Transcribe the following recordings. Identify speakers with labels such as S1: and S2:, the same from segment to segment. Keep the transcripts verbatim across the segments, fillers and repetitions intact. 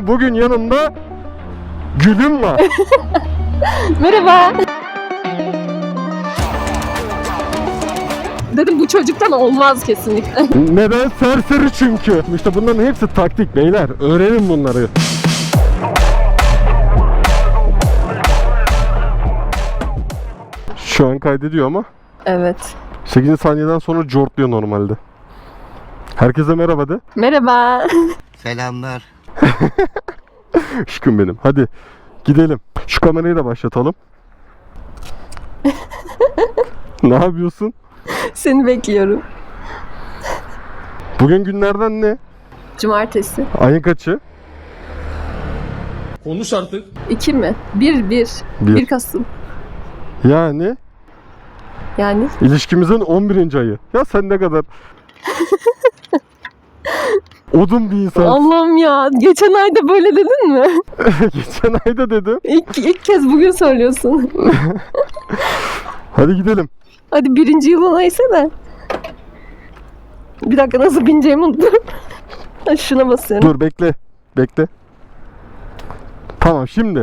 S1: Bugün yanımda Gülüm var.
S2: Merhaba. Dedim bu çocuktan olmaz kesinlikle.
S1: Neden? Serseri çünkü. İşte bunların hepsi taktik beyler. Öğrenin bunları. Şu an kaydediyor ama.
S2: Evet.
S1: sekizinci saniyeden sonra cortluyor normalde. Herkese merhaba de.
S2: Merhaba.
S3: Selamlar.
S1: Aşkım benim. Hadi gidelim. Şu kamerayı da başlatalım. Ne yapıyorsun?
S2: Seni bekliyorum.
S1: Bugün günlerden ne?
S2: Cumartesi.
S1: Ayın kaçı?
S4: Konuş artık.
S2: İki mi? Bir, bir.
S1: Bir.
S2: Bir Kasım.
S1: Yani
S2: Yani
S1: ilişkimizin on birinci ayı. Ya sen ne kadar odun bir insan.
S2: Allah'ım ya. Geçen ayda böyle dedin mi?
S1: Geçen ayda dedim.
S2: İlk, ilk kez bugün söylüyorsun.
S1: Hadi gidelim.
S2: Hadi birinci yılın neyse de. Bir dakika nasıl bineceğimi unuttum. Şuna basıyorum.
S1: Dur bekle. Bekle. Tamam şimdi.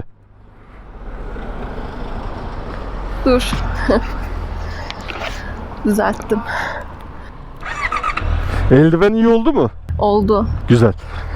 S2: Dur. Düzelttim.
S1: Eldiven iyi oldu mu?
S2: Oldu.
S1: Güzel.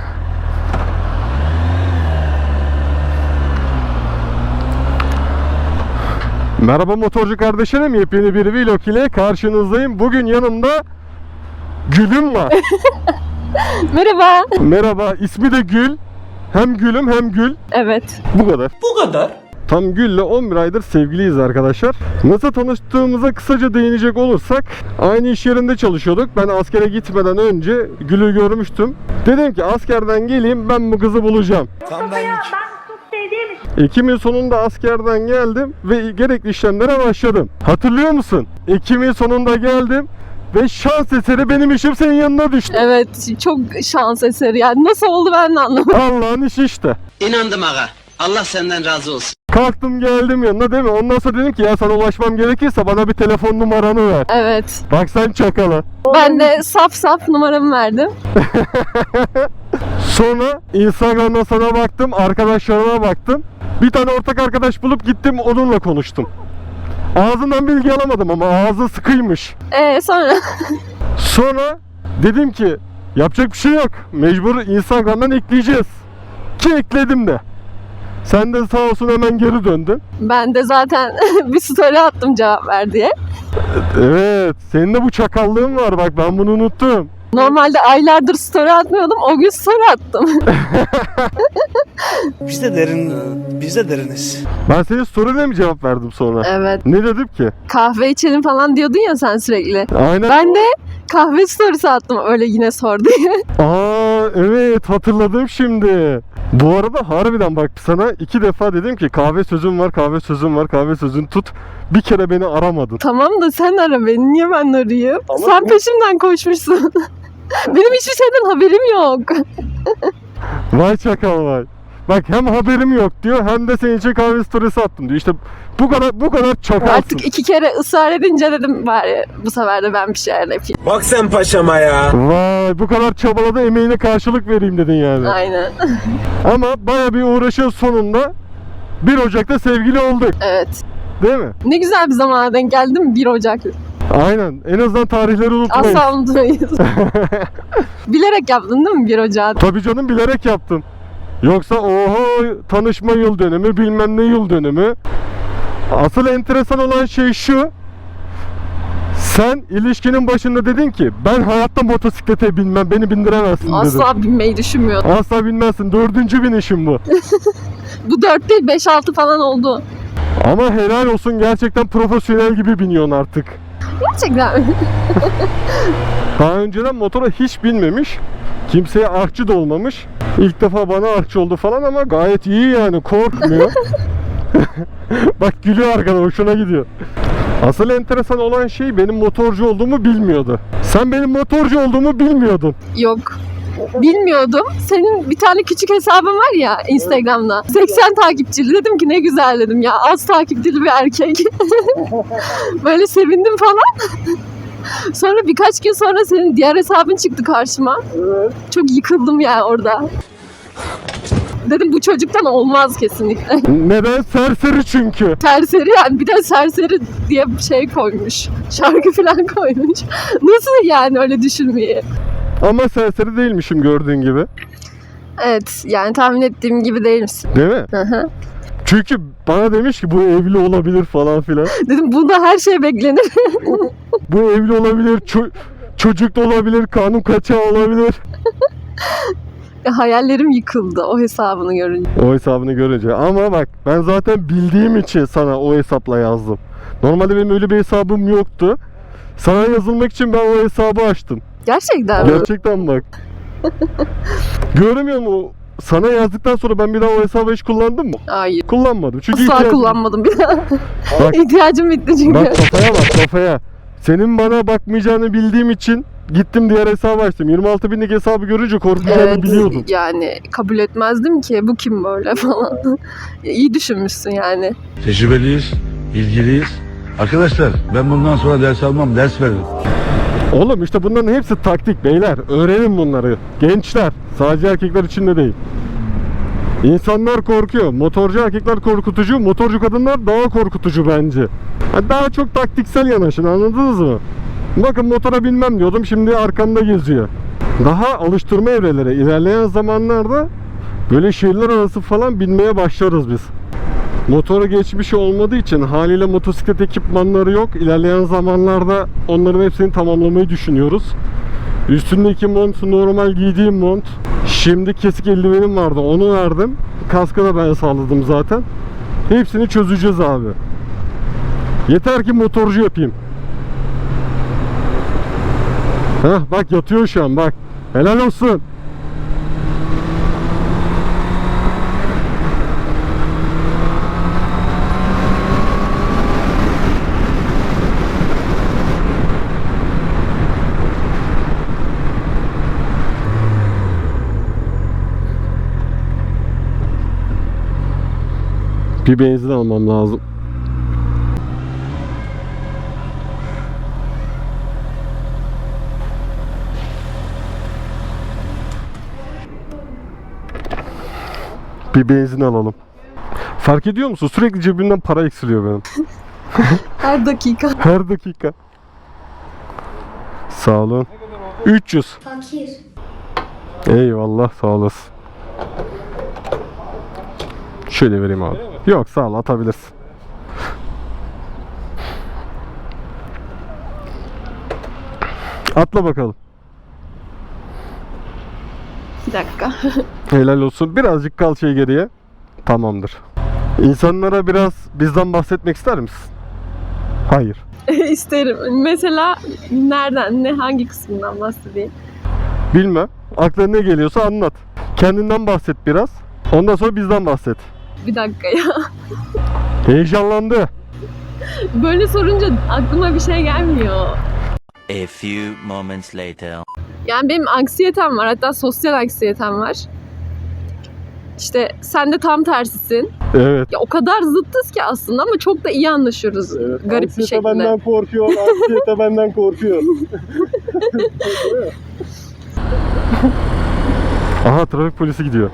S1: Merhaba motorcu kardeşlerim. Yepyeni bir vlog ile karşınızdayım. Bugün yanımda Gülüm var.
S2: Merhaba.
S1: Merhaba. İsmi de Gül. Hem Gülüm hem Gül.
S2: Evet.
S1: Bu kadar.
S4: Bu kadar.
S1: Tam Gül'le on bir aydır sevgiliyiz arkadaşlar. Nasıl tanıştığımıza kısaca değinecek olursak, aynı iş yerinde çalışıyorduk. Ben askere gitmeden önce Gül'ü görmüştüm. Dedim ki askerden geleyim, ben bu kızı bulacağım.
S3: Tam benlik.
S1: Ekim'in sonunda askerden geldim ve gerekli işlemlere başladım. Hatırlıyor musun? Ekim'in sonunda geldim ve şans eseri benim işim senin yanına düştü.
S2: Evet. Çok şans eseri. Yani nasıl oldu ben de anlamadım.
S1: Allah'ın işi işte.
S5: İnandım aga. Allah senden razı olsun.
S1: Kalktım geldim yanına değil mi? Ondan sonra dedim ki ya sana ulaşmam gerekirse bana bir telefon numaranı ver.
S2: Evet.
S1: Bak sen çakala.
S2: Ben de saf saf numaramı verdim.
S1: Sonra Instagram'dan sana baktım, arkadaşlarıma baktım. Bir tane ortak arkadaş bulup gittim onunla konuştum. Ağzından bilgi alamadım ama ağzı sıkıymış.
S2: Ee sonra
S1: Sonra dedim ki yapacak bir şey yok. Mecbur Instagram'dan ekleyeceğiz. Ki ekledim de. Sen de sağ olsun hemen geri döndün.
S2: ben de zaten bir story attım cevap ver diye.
S1: Evet, senin de bu çakallığın var bak ben bunu unuttum.
S2: Normalde aylardır story atmıyordum. O gün story attım.
S3: Biz de derin, biz de deriniz.
S1: Ben senin story'ne mi cevap verdim sonra?
S2: Evet.
S1: Ne dedim ki?
S2: Kahve içelim falan diyordun ya sen sürekli.
S1: Aynen.
S2: Ben de kahve storysi attım öyle yine sor diye.
S1: Aa evet hatırladım şimdi. Bu arada harbiden bak sana iki defa dedim ki kahve sözüm var, kahve sözüm var, kahve sözün tut. Bir kere beni aramadın.
S2: Tamam da sen ara beni. Niye ben arayayım?
S1: Ama
S2: sen
S1: bu-
S2: peşimden koşmuşsun. Benim hiçbir şeyden haberim yok.
S1: Vay çakal vay. Bak hem haberim yok diyor hem de senin için kahve storiesi attım diyor. İşte bu kadar bu kadar çakalsın.
S2: Artık iki kere ısrar edince dedim bari bu sefer de ben bir şeyler yapayım.
S4: Bak sen paşama ya.
S1: Vay bu kadar çabaladı emeğine karşılık vereyim dedin yani.
S2: Aynen.
S1: Ama baya bir uğraşın sonunda bir Ocak'ta sevgili olduk.
S2: Evet.
S1: Değil mi?
S2: Ne güzel bir zamana denk geldim bir Ocak.
S1: Aynen. En azından tarihleri unutmayız.
S2: Asla unutmayız. Bilerek yaptın değil mi bir Ocak?
S1: Tabii canım bilerek yaptım. Yoksa oho tanışma yıl dönümü bilmem ne yıl dönümü. Asıl enteresan olan şey şu. Sen ilişkinin başında dedin ki ben hayatta motosiklete binmem beni bindiremezsin dedin.
S2: Asla binmeyi düşünmüyordum.
S1: Asla binmezsin. Dördüncü binişim bu.
S2: Bu dört değil beş altı falan oldu.
S1: Ama helal olsun gerçekten profesyonel gibi biniyorsun artık.
S2: Gerçekten.
S1: Daha önceden motora hiç binmemiş. Kimseye artçı da olmamış. İlk defa bana artçı oldu falan ama gayet iyi yani korkmuyor. Bak gülüyor arkadan hoşuna gidiyor. Asıl enteresan olan şey benim motorcu olduğumu bilmiyordu. Sen benim motorcu olduğumu bilmiyordun.
S2: Yok. Bilmiyordum. Senin bir tane küçük hesabın var ya Instagram'da. seksen takipçili. Dedim ki ne güzel dedim ya. Az takipçili bir erkek. Böyle sevindim falan. Sonra birkaç gün sonra senin diğer hesabın çıktı karşıma. Çok yıkıldım ya orada. Dedim bu çocuktan olmaz kesinlikle.
S1: Neden? Serseri çünkü.
S2: Serseri yani bir de serseri diye bir şey koymuş. Şarkı falan koymuş. Nasıl yani öyle düşünmeyi?
S1: Ama serseri değilmişim gördüğün gibi.
S2: Evet yani tahmin ettiğim gibi değil misin?
S1: Değil mi?
S2: Hı hı.
S1: Çünkü bana demiş ki bu evli olabilir falan filan.
S2: Dedim bunda her şey beklenir.
S1: Bu evli olabilir, ço- çocuk da olabilir, kanun kaçağı olabilir.
S2: Hayallerim yıkıldı o hesabını görünce.
S1: O hesabını görünce. Ama bak ben zaten bildiğim için sana o hesapla yazdım. Normalde benim öyle bir hesabım yoktu. Sana yazılmak için ben o hesabı açtım.
S2: Gerçekten mi?
S1: Gerçekten bak. Görmüyor musun? Sana yazdıktan sonra ben bir daha o hesabı hiç kullandım mı?
S2: Hayır.
S1: Kullanmadım. Çünkü
S2: Asla
S1: ihtiyacım-
S2: kullanmadım bir daha.
S1: Bak-
S2: İhtiyacım bitti çünkü.
S1: Bak kafaya bak kafaya. Senin bana bakmayacağını bildiğim için gittim diğer hesabı açtım. yirmi altı binlik hesabı görünce korkacağını
S2: Evet,
S1: biliyordum.
S2: yani kabul etmezdim ki bu kim böyle falan. İyi düşünmüşsün yani.
S4: Tecrübeliyiz, ilgiliyiz. Arkadaşlar ben bundan sonra ders almam, ders veririm.
S1: Oğlum işte bunların hepsi taktik beyler. Öğrenin bunları. Gençler. Sadece erkekler için de değil. İnsanlar korkuyor. Motorcu erkekler korkutucu. Motorcu kadınlar daha korkutucu bence. Ha, daha çok taktiksel yanaşın, anladınız mı? Bakın motora binmem diyordum. Şimdi arkamda geziyor. Daha alıştırma evreleri. İlerleyen zamanlarda böyle şehirler arası falan binmeye başlarız biz. Motora geçmiş olmadığı için haliyle motosiklet ekipmanları yok. İlerleyen zamanlarda onların hepsini tamamlamayı düşünüyoruz. Üstündeki mont normal giydiğim mont. Şimdi kesik eldivenim vardı, onu verdim. Kaskı da ben sağladım zaten. Hepsini çözeceğiz abi. Yeter ki motorcu yapayım. Heh, bak yatıyor şu an bak. Helal olsun. Bir benzin almam lazım. Bir benzin alalım. Fark ediyor musun? Sürekli cebimden para eksiliyor benim.
S2: Her dakika.
S1: Her dakika. Sağ olun. üç yüz.
S6: Fakir.
S1: Eyvallah, sağ olasın. Şöyle vereyim abi. Yok sağ ol, atabilirsin. Atla bakalım.
S2: Bir dakika.
S1: Helal olsun. Birazcık kal şey geriye. Tamamdır. İnsanlara biraz bizden bahsetmek ister misin? Hayır.
S2: İsterim. Mesela nereden, ne hangi kısmından bahsedeyim?
S1: Bilmem. Aklına ne geliyorsa anlat. Kendinden bahset biraz. Ondan sonra bizden bahset.
S2: Bir dakika ya.
S1: Heyecanlandı.
S2: Böyle sorunca aklıma bir şey gelmiyor.
S7: A few moments later.
S2: Yani benim anksiyetem var. Hatta sosyal anksiyetem var. İşte sen de tam tersisin.
S1: Evet.
S2: Ya o kadar zıttız ki aslında ama çok da iyi anlaşıyoruz garip bir şekilde.
S1: korkuyor. Anksiyete benden korkuyor. Aha, trafik polisi gidiyor.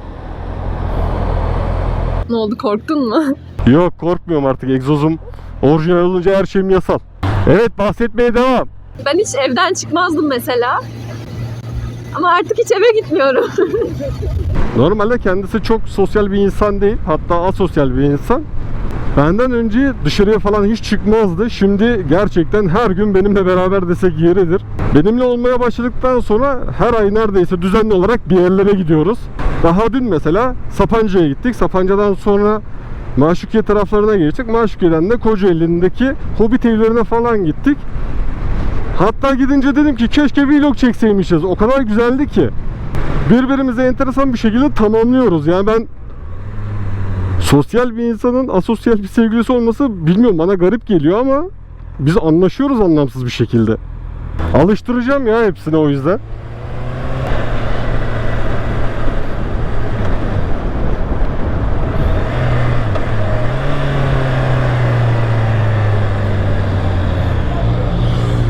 S2: Ne oldu, korktun mu?
S1: Yok, korkmuyorum artık. Egzozum orijinal olunca her şeyim yasal. Evet, bahsetmeye devam.
S2: Ben hiç evden çıkmazdım mesela. Ama artık hiç eve gitmiyorum.
S1: Normalde kendisi çok sosyal bir insan değil. Hatta asosyal bir insan. Benden önce dışarıya falan hiç çıkmazdı. Şimdi gerçekten her gün benimle beraber desek yeridir. Benimle olmaya başladıktan sonra her ay neredeyse düzenli olarak bir yerlere gidiyoruz. Daha dün mesela Sapanca'ya gittik. Sapanca'dan sonra Maşukiye taraflarına geçtik. Maşukiye'den de Kocaeli'ndeki Hobbit evlerine falan gittik. Hatta gidince dedim ki keşke vlog çekseymişiz. O kadar güzeldi ki. Birbirimize enteresan bir şekilde tamamlıyoruz. Yani ben sosyal bir insanın asosyal bir sevgilisi olması bilmiyorum, bana garip geliyor ama biz anlaşıyoruz anlamsız bir şekilde. Alıştıracağım ya hepsine o yüzden.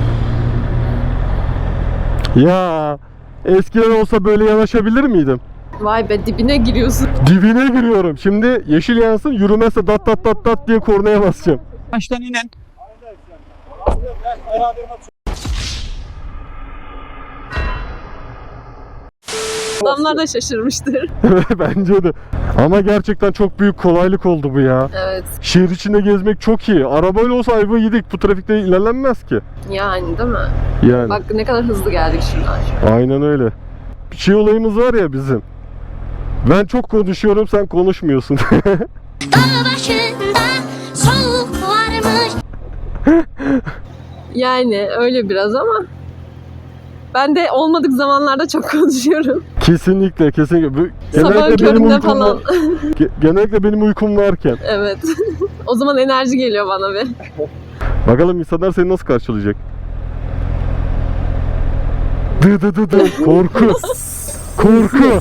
S1: Ya eskiden olsa böyle yanaşabilir miydim?
S2: Vay be, dibine giriyorsun.
S1: Dibine giriyorum. Şimdi yeşil yansın, yürümezse dat dat dat dat diye kornaya basacağım.
S6: Baştan inen.
S2: Adamlar da şaşırmıştır.
S1: Bence de. Ama gerçekten çok büyük kolaylık oldu bu ya.
S2: Evet.
S1: Şehir içinde gezmek çok iyi. Arabayla olsa ayva yedik. Bu trafikte ilerlenmez ki.
S2: Yani değil mi?
S1: Yani.
S2: Bak ne kadar hızlı geldik şuradan.
S1: Aynen öyle. Bir şey olayımız var ya bizim. Ben çok konuşuyorum, sen konuşmuyorsun.
S8: Dağ başında soğuk varmış.
S2: Yani öyle biraz ama ben de olmadık zamanlarda çok konuşuyorum.
S1: Kesinlikle, kesinlikle. Bu-
S2: Sabahın
S1: Genellikle benim
S2: köründe
S1: uykum
S2: falan.
S1: var- Ge- Genellikle benim uykum varken.
S2: Evet. O zaman enerji geliyor bana bir.
S1: Bakalım insanlar seni nasıl karşılayacak? Dı dı dı dı. Korku. Korku.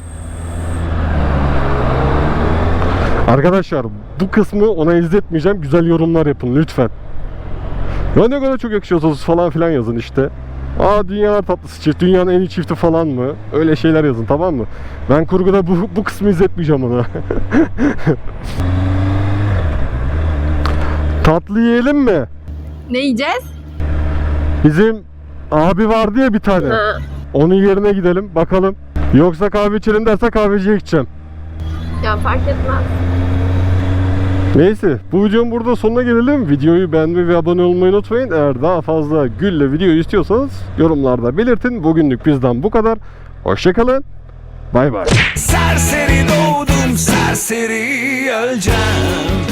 S1: Arkadaşlar bu kısmı ona izletmeyeceğim. Güzel yorumlar yapın lütfen. Ya ne kadar çok yakışıyorsunuz falan filan yazın işte. Aa dünyalar tatlısı çift, dünyanın en iyi çifti falan mı? Öyle şeyler yazın, tamam mı? Ben kurguda bu, bu kısmı izletmeyeceğim ona. Tatlı yiyelim mi?
S2: Ne yiyeceğiz?
S1: Bizim abi vardı ya bir tane.
S2: Ha.
S1: Onun yerine gidelim bakalım. Yoksa kahve içelim derse kahveciye gideceğim.
S2: Ya fark etmez.
S1: Neyse, bu videonun burada sonuna gelelim. Videoyu beğenmeyi ve abone olmayı unutmayın. Eğer daha fazla Gül'le video istiyorsanız yorumlarda belirtin. Bugünlük bizden bu kadar. Hoşçakalın. Bay bay.
S9: Serseri doğdum, serseri öleceğim.